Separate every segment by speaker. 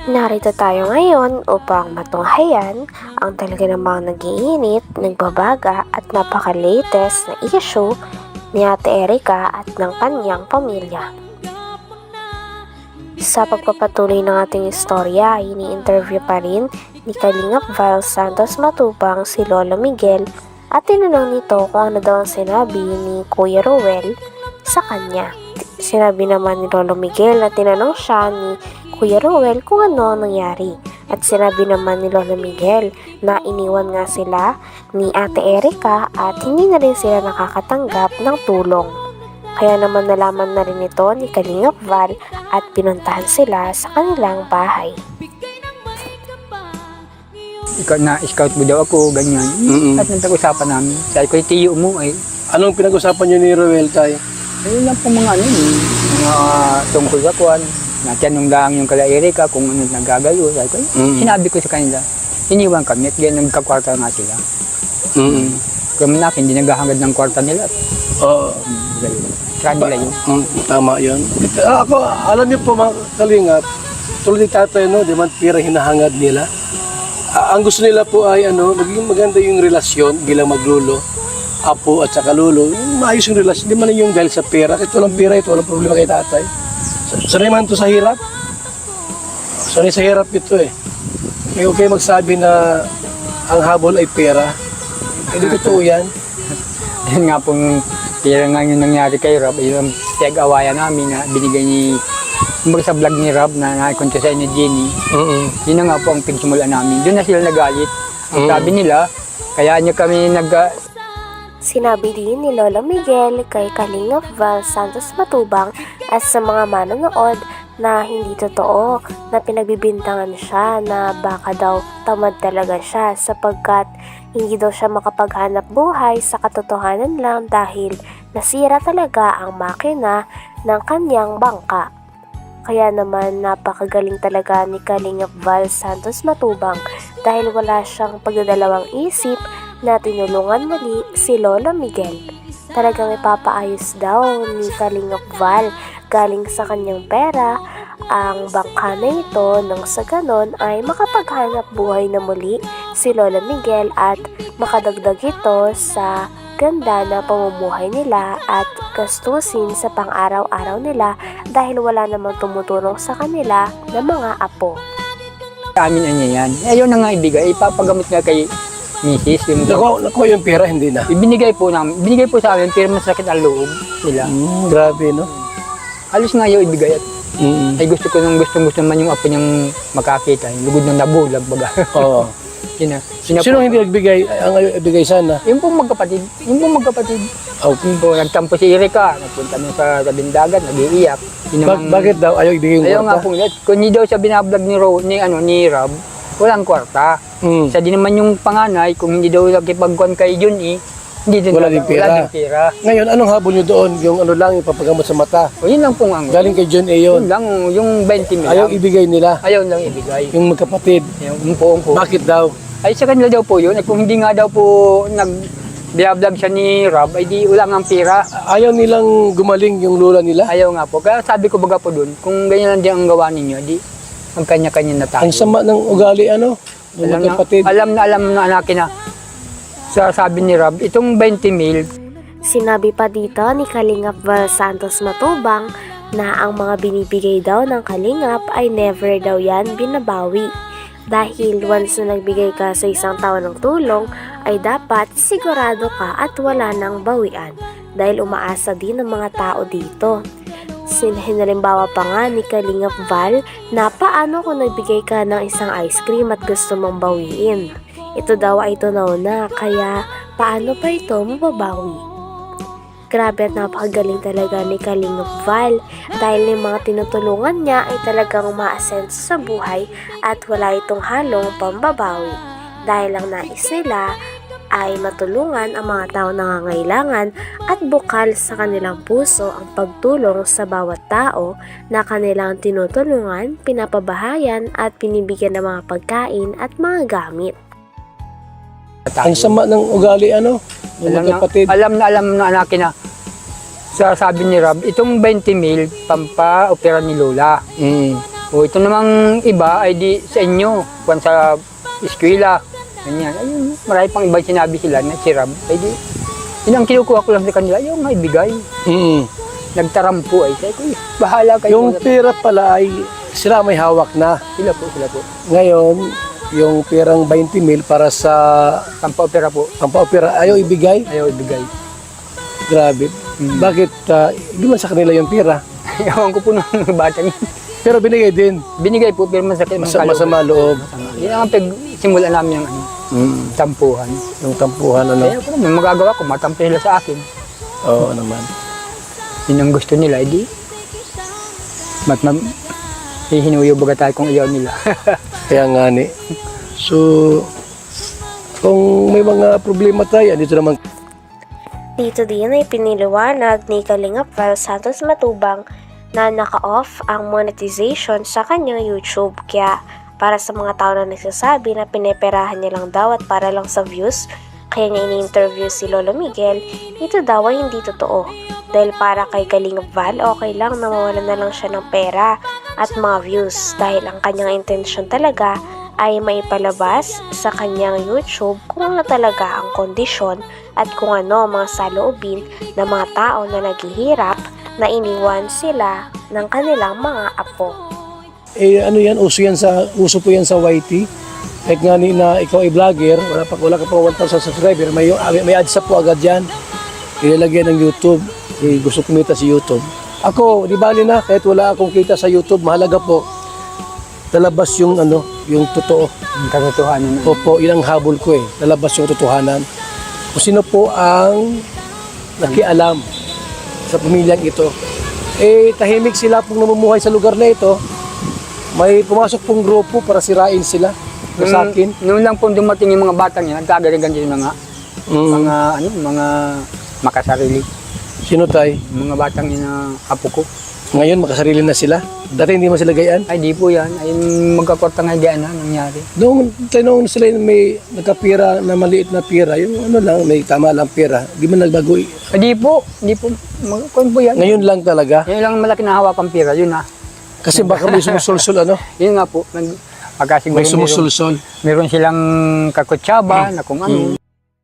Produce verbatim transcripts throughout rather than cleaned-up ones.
Speaker 1: Narito tayo ngayon upang matunghayan ang talaga namang nag-iinit, nagbabaga at napaka-latest na issue ni Ate Erica at ng kanyang pamilya. Sa pagpapatuloy ng ating istorya, ini-interview pa rin ni Kalingap Val Santos Matubang si Lolo Miguel at tinanong nito kung ano daw ang sinabi ni Kuya Ruel sa kanya. Sinabi naman ni Lolo Miguel na tinanong siya ni Kuya Ruel kung ano ang nangyari. At sinabi naman ni Lolo Miguel na iniwan nga sila ni Ate Erica at hindi na rin sila nakakatanggap ng tulong. Kaya naman nalaman na rin ito ni Kalingap Val at pinuntahan sila sa kanilang bahay.
Speaker 2: Ikaw na scout mo daw ako, ganyan.
Speaker 3: Mm-mm.
Speaker 2: At nagtag-usapan namin. Sabi ko, tiyo mo ay.
Speaker 3: Anong pinag-usapan niyo ni Ruel tayo?
Speaker 2: Ayun lang po mga ano, eh, mga tungkol sa kuwan. Natanong lang yung kala Erica kung ano nagagalo. Sabi ko,
Speaker 3: Mm.
Speaker 2: sinabi ko sa kanila, iniwan kami at ganyan nagkakwarta nga sila.
Speaker 3: Mm.
Speaker 2: Kaya manap, hindi naghahangad ng kwarta nila.
Speaker 3: Oo.
Speaker 2: Try nila yun.
Speaker 3: Mm, tama yun. Ah, ako, alam niyo po mga kalingap, tulad ni tatay, no, di man pira hinahangad nila. Ah, ang gusto nila po ay ano, maging maganda yung relasyon bilang maglulo, apo at saka lolo. Yung maayos yung relasyon, di man yung dahil sa pera. Kahit walang pera ito, walang problema kay tatay. Sanay man to sa hirap. Sanay sa hirap ito eh. May okay magsabi na ang habol ay pera. Hindi totoo yan.
Speaker 2: Yun nga pong tira nga yung nangyari kay Rob, yung tiyag-awayan namin na binigay ni, kumbaga sa vlog ni Rob na naikonto sa ni Jenny.
Speaker 3: Mm-mm.
Speaker 2: Yun na nga po ang pagsimulan namin. Doon na sila nagalit. Ang
Speaker 3: Mm.
Speaker 2: sabi nila, kaya niya kami nag...
Speaker 1: Sinabi din ni Lolo Miguel kay Kalingap Val Santos Matubang at sa mga manonood na hindi totoo na pinagbibintangan siya na baka daw tamad talaga siya sapagkat hindi daw siya makapaghanap buhay sa katotohanan lang dahil nasira talaga ang makina ng kanyang bangka. Kaya naman napakagaling talaga ni Kalingap Val Santos Matubang dahil wala siyang pagdadalawang isip na tinulungan muli si Lolo Miguel. Talagang ipapaayos daw ni Kalingap Val galing sa kanyang pera ang bangka na ito nang sa ganon ay makapaghanap buhay na muli si Lolo Miguel at makadagdag ito sa ganda na pamumuhay nila at gastusin sa pang-araw-araw nila dahil wala namang tumutulong sa kanila na mga apo.
Speaker 2: Amin niya yan. Ayaw na nga ibigay. Ipapagamot nga kay Missus Yung
Speaker 3: Nakuha, nakuha yung pera, hindi na.
Speaker 2: ibinigay po namin. Ibinigay po sa amin pero masakit ang loob nila.
Speaker 3: Mm, grabe, no?
Speaker 2: Halos nga ayaw ibigay at
Speaker 3: Mm.
Speaker 2: ay gusto ko nung gusto gusto man yung apo niyang makakita. Yung lugod ng nabulag baga.
Speaker 3: Oo.
Speaker 2: Yun na. Yun na
Speaker 3: Sino
Speaker 2: po.
Speaker 3: hindi nagbigay? Ang ayaw ibigay sana.
Speaker 2: Yung po magkapatid. Yung po magkapatid.
Speaker 3: Okay.
Speaker 2: Yung po nagtampo si Erica. Nagpunta na sa tabing dagat. Nag-iiyak. Yun
Speaker 3: Bak
Speaker 2: namang-
Speaker 3: bakit daw ayaw ibigay yung
Speaker 2: Ayaw nga
Speaker 3: kwarta?
Speaker 2: po nila. Kung hindi daw siya binablog ni, Ro, ni, ano, ni Rob, walang kwarta.
Speaker 3: Mm.
Speaker 2: Siya din naman yung panganay, kung hindi daw nakipagkuhan kay Jun eh, hindi din
Speaker 3: Wala
Speaker 2: daw-
Speaker 3: din pera.
Speaker 2: Wala din pera.
Speaker 3: Ngayon, anong habol nyo doon? Yung ano lang, yung papagamot sa mata.
Speaker 2: O yun lang po ang
Speaker 3: Galing kay John A.
Speaker 2: Yun
Speaker 3: yun.
Speaker 2: lang, yung twenty mil
Speaker 3: Ayaw
Speaker 2: lang.
Speaker 3: ibigay nila.
Speaker 2: Ayaw lang ibigay.
Speaker 3: Yung magkapatid.
Speaker 2: Yung umpo, umpo.
Speaker 3: Bakit daw?
Speaker 2: Ay sa kanila daw po yun, at kung hindi nga daw po nag vlog siya ni Rob, ay di wala nga pera.
Speaker 3: Ayaw nilang gumaling yung lula nila.
Speaker 2: Ayaw nga po. Kaya sabi ko baga po doon, kung ganyan lang din ang gawa ninyo, di magkanya-kanya na tayo.
Speaker 3: Ang sama ng ugali, ano? Yung
Speaker 2: Alam na,
Speaker 3: magkapatid.
Speaker 2: alam na alam na anakin na. Sa sabi ni Rob, itong twenty mil,
Speaker 1: Sinabi pa dito ni Kalingap Val Santos Matubang na ang mga binibigay daw ng Kalingap ay never daw yan binabawi. Dahil once na nagbigay ka sa isang tao ng tulong, ay dapat sigurado ka at wala nang bawian. Dahil umaasa din ng mga tao dito. Hinalimbawa pa nga ni Kalingap Val na paano kung nagbigay ka ng isang ice cream at gusto mong bawiin. Ito daw ay tunaw na, kaya paano pa ito mababawi? Grabe at napakagaling talaga ni Kalingap Val dahil yung mga tinutulungan niya ay talagang umaasenso sa buhay at wala itong halong pambabawi. Dahil ang nais nila ay matulungan ang mga tao nangangailangan at bukal sa kanilang puso ang pagtulong sa bawat tao na kanilang tinutulungan, pinapabahayan at pinibigyan ng mga pagkain at mga gamit.
Speaker 3: Ang sama ng ugali, ano? Yung
Speaker 2: alam na,
Speaker 3: magkapatid.
Speaker 2: alam na alam na anakin na. Sa sabi ni Rob, itong twenty mil, pampa-opera ni Lola.
Speaker 3: Mm.
Speaker 2: O ito namang iba ay di sa inyo, kung sa eskwela, ganyan. Ayun, marami pang iba sinabi sila na si Rob, ay di, yun ang kinukuha ko lang sa kanila, yung may bigay.
Speaker 3: Mm.
Speaker 2: Nagtarampo ay, sabi ko, "Eh, bahala kayo.
Speaker 3: Yung pera pala ay sila may hawak na.
Speaker 2: Sila po, sila po.
Speaker 3: Ngayon, yung perang twenty mil para sa
Speaker 2: Pampaopera po,
Speaker 3: pampaopera, ayaw ibigay.
Speaker 2: ayaw ibigay.
Speaker 3: Grabe.
Speaker 2: Mm.
Speaker 3: Bakit ah, hindi man sa kanila yung pera?
Speaker 2: Ewan ko po ng bata niya.
Speaker 3: Pero binigay din.
Speaker 2: Binigay po, pero masakit ng
Speaker 3: Mas, masama loob.
Speaker 2: Yan ang pag-simula namin yung ano,
Speaker 3: Mm.
Speaker 2: tampuhan.
Speaker 3: Yung tampuhan, ano?
Speaker 2: Kaya po naman, magagawa ko, matampo sila sa akin.
Speaker 3: Oo naman.
Speaker 2: Yun ang gusto nila, edi. Mat mam, hihinuyo baga tayo kung iyaw nila.
Speaker 3: Kaya nga ni. So, kung may mga problema tayo, dito naman.
Speaker 1: Dito din ay piniliwanag ni Kalingap Val Santos Matubang na naka-off ang monetization sa kanyang YouTube. Kaya para sa mga tao na nagsasabi na pineperahan niya lang daw at para lang sa views, kaya niya ini-interview si Lolo Miguel, ito daw ay hindi totoo. Dahil para kay Kalingap Val, okay lang na mawalan na lang siya ng pera at mga views dahil ang kanyang intensyon talaga ay maipalabas sa kanyang YouTube kung ano talaga ang kondisyon at kung ano ang mga saloobin ng mga tao na naghihirap na iniwan sila ng kanilang mga apo.
Speaker 3: Eh, ano yan? Uso yan sa, uso po yan sa Y T. Kahit nga ni na ikaw ay vlogger, wala, pa, wala ka pa one thousand subscriber, may, may ads po agad yan. Ilalagyan ng YouTube. Eh, gusto kumita si YouTube. Ako, di bali na, kahit wala akong kita sa YouTube, mahalaga po, lalabas yung ano, yung totoo.
Speaker 2: Ang katotohanan.
Speaker 3: Opo, yun ang habol ko eh. Lalabas yung totohanan. Kung sino po ang nakialam sa pamilyang ito. Eh, tahimik sila pong namumuhay sa lugar na ito. May pumasok pong grupo para sirain sila.
Speaker 2: Nung,
Speaker 3: Sa akin.
Speaker 2: nung lang po dumating yung mga batang yan, nagkagaligan din yung mga,
Speaker 3: Mm.
Speaker 2: mga, ano, mga makasarili.
Speaker 3: Sino tay?
Speaker 2: Yung mga batang yun na apo ko.
Speaker 3: Ngayon, makasarili na sila. Dati hindi mo sila gayaan.
Speaker 2: Ay, di po yan. Ay, magkakortang idea na nangyari.
Speaker 3: Noong tanong sila yung may nagkapira na maliit na pira, yung ano lang, may tama lang pira, di man nagbago.
Speaker 2: Ay, di po. Di po. Mag- kung po yan.
Speaker 3: Ngayon lang talaga.
Speaker 2: Yun lang malaki na hawak ang pira. Yun na.
Speaker 3: Kasi baka may sumusulsul ano?
Speaker 2: Yun nga po. Nag, pagka siguro
Speaker 3: May sumusulsul.
Speaker 2: Meron, meron silang kakutsaba na kung ano.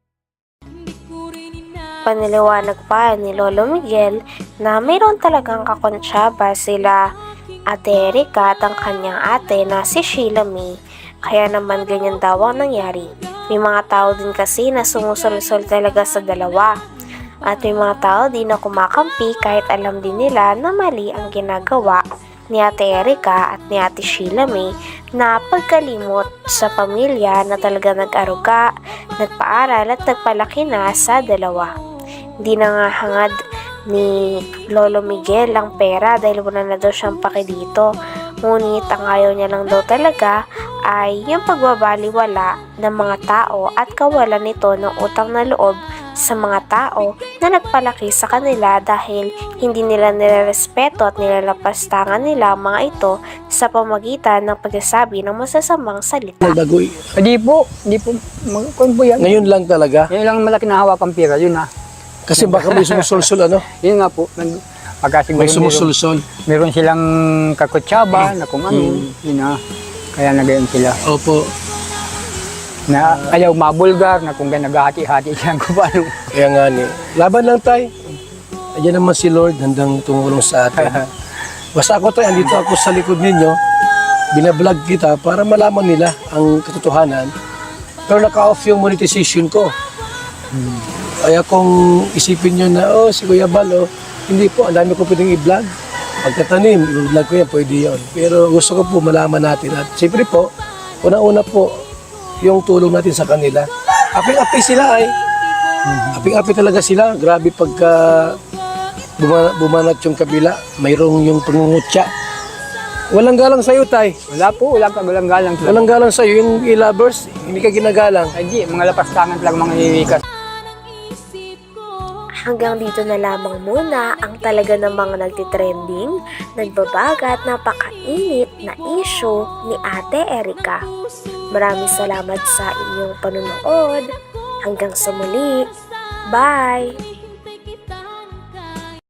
Speaker 1: Paniliwanag pa ni Lolo Miguel na mayroon talagang kakonsyaba sila Ate Erika at ang kanyang ate na si Sheila May. Kaya naman ganyan daw ang nangyari. May mga tao din kasi na sumusulsol talaga sa dalawa. At may mga tao din na kumakampi kahit alam din nila na mali ang ginagawa ni Ate Erika at ni Ate Sheila May na pagkalimot sa pamilya na talaga nag-aruga, nagpaaral at nagpalaki na sa dalawa. Hindi na nga hangad ni Lolo Miguel ang pera dahil wala na daw siyang paki dito. Ngunit ang ayaw niya lang daw talaga ay yung pagbabaliwala ng mga tao at kawalan nito ng utang na loob sa mga tao na nagpalaki sa kanila dahil hindi nila nilerespeto at nilalapastangan nila ang mga ito sa pamagitan ng pagsasabi ng masasamang salita.
Speaker 3: Nagbago.
Speaker 2: Ay, di po. Di po. Mag, kung po yan.
Speaker 3: Ngayon lang talaga.
Speaker 2: Yun lang malaki na hawak ang pira. Yun na.
Speaker 3: Kasi baka may sumusulsul ano?
Speaker 2: Yun nga po. Nag, pagka siguro
Speaker 3: May sumusulsul.
Speaker 2: Meron, meron silang kakutsaba na kung ano. Yun na. Kaya nagayon sila.
Speaker 3: Opo.
Speaker 2: Na ayaw mabulgar na kung naghahati-hati siya kung paano.
Speaker 3: Kaya nga ni. Laban lang tay. Ayan naman si Lord handang tumulong sa atin. Basta ako tay, andito ako sa likod ninyo. Binablog kita para malaman nila ang katotohanan. Pero naka-off yung monetization ko.
Speaker 2: Hmm.
Speaker 3: Kaya kung isipin nyo na, oh, si Kuya Bal, oh, hindi po, ang dami ko pwedeng i-vlog. Pagkatanim, i-vlog ko yan, pwede yun. Pero gusto ko po malaman natin. At siyempre po, una-una po, yung tulong natin sa kanila. Aping-api sila ay. Aping-api talaga sila. Grabe pagka bumanat, bumanat yung kabila, mayroong yung pangungutya. Walang galang sa'yo, tay.
Speaker 2: Wala po. Wala ka. Walang galang.
Speaker 3: Walang galang sa'yo. Yung e-lovers, hindi ka ginagalang.
Speaker 2: Ay di. Mga lapastangan lang mga iwikas.
Speaker 1: Hanggang dito na lamang muna ang talaga namang nagtitrending, nagbabagat, napakainit na issue ni Ate Erika. Maraming salamat sa inyong panonood. Hanggang sa muli. Bye!